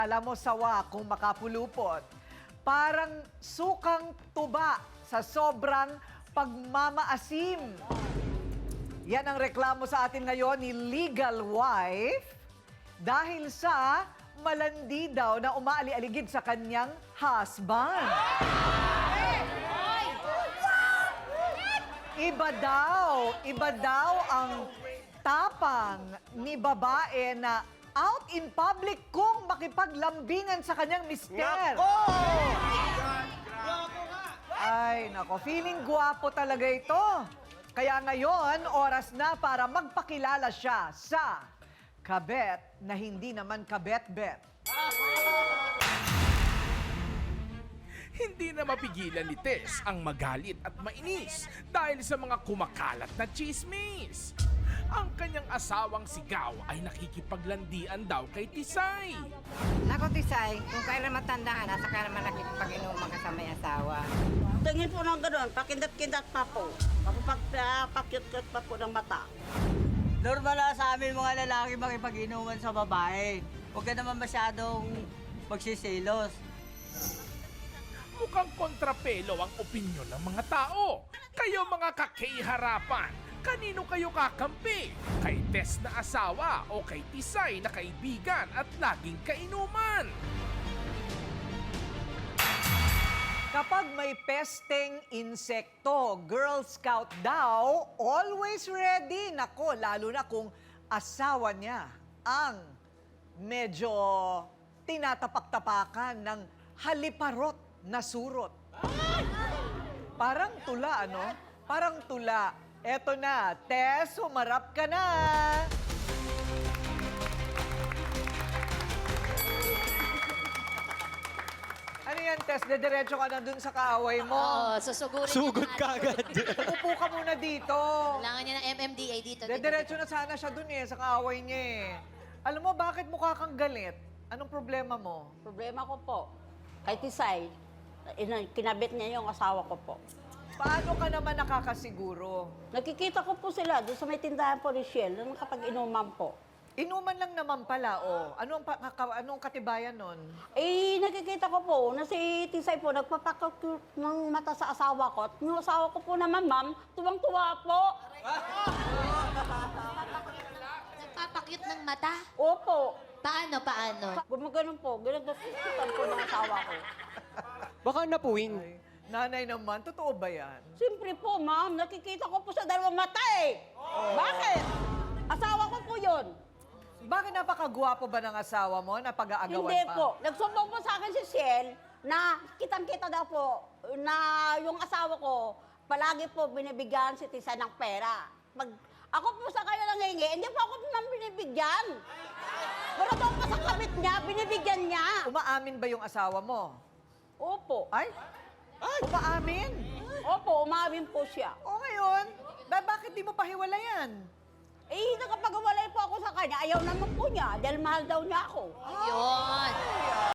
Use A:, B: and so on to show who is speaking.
A: Alam mo, sawa kung makapulupot. Parang sukang tuba sa sobrang pagmamaasim. Yan ang reklamo sa atin ngayon ni Legal Wife dahil sa malandi daw na umaali-aligid sa kanyang husband. Iba daw ang tapang ni babae na out in public kung makipaglambingan sa kanyang mister. Ay, nako, feeling gwapo talaga ito. Kaya ngayon, oras na para magpakilala siya sa kabet na hindi naman kabet-bet.
B: Hindi na mapigilan ni Tess ang magalit at mainis dahil sa mga kumakalat na chismis. Ang kanyang asawang sigaw ay nakikipaglandian daw kay Tisay.
C: Nako, Tisay, kung kailan matanda ka na, saka naman nakikipag-inuman ka sa may asawa.
D: Tingin po ng gano'n, pakindat-kindat pa po. Pakyut-kyut pa po ng mata.
E: Normal na sa amin mga lalaki makipag-inuman sa babae. Huwag ka naman masyadong magsisilos.
B: Mukhang kontrapelo ang opinyon ng mga tao. Kayo mga kakiharapan, kanino kayo kakampi? Kay Tess na asawa o kay Tisay na kaibigan at laging kainuman?
A: Kapag may pesteng insekto, Girl Scout daw, always ready. Nako, lalo na kung asawa niya ang medyo tinatapak-tapakan ng haliparot na surot. Parang tula, ano? Parang tula. Eto na, Tess, humarap ka na. Ano yan, Tess? Dediretso ka na dun sa kaaway mo.
F: Oo, susugurin
G: Sugod
F: niya
G: ka agad.
A: Upo ka muna dito.
F: Kailangan niya ng MMDA dito.
A: Dediretso na sana siya dun sa kaaway niya eh. Alam mo, bakit mukha kang galit? Anong problema mo?
D: Problema ko po, kay Tisay, kinabit niya yung asawa ko po.
A: Paano ka naman nakakasiguro?
D: Nakikita ko po sila doon sa may tindahan po ni Shell, nung kapag-inuman po.
A: Inuman lang naman pala, oh. Anong katibayan nun?
D: Eh, nakikita ko po na si Tisay po nagpapakyut ng mata sa asawa ko. At yung asawa ko po naman, ma'am, tuwang-tuwa po.
F: Nagpapakyut ng mata?
D: Opo.
F: Paano?
D: Gumagano'n po, ginagasusutan po ng asawa ko.
G: Baka napuwing.
A: Ay, nanay naman, totoo ba yan?
D: Siyempre po, ma'am, nakikita ko po sa dalawang mata eh. Bakit? Asawa ko po yun.
A: Bakit napakagwapo ba ng asawa mo na pag-aagawan
D: Hindi
A: pa?
D: po. Nagsumbong po sa akin si Shell na kitang-kita daw po na yung asawa ko palagi po binibigyan si Tisa ng pera. Ako po sa kayo nangingi, hindi po ako nang binibigyan. Pero doon pa sa kabit niya, binibigyan niya.
A: Umaamin ba yung asawa mo?
D: Opo.
A: Ay? Umaamin?
D: Opo, umamin po siya.
A: O ngayon, bakit di mo pahiwalayan?
D: Eh, nakapag-awalay po ako sa kanya, ayaw naman po niya dahil mahal daw niya ako.
F: Yun.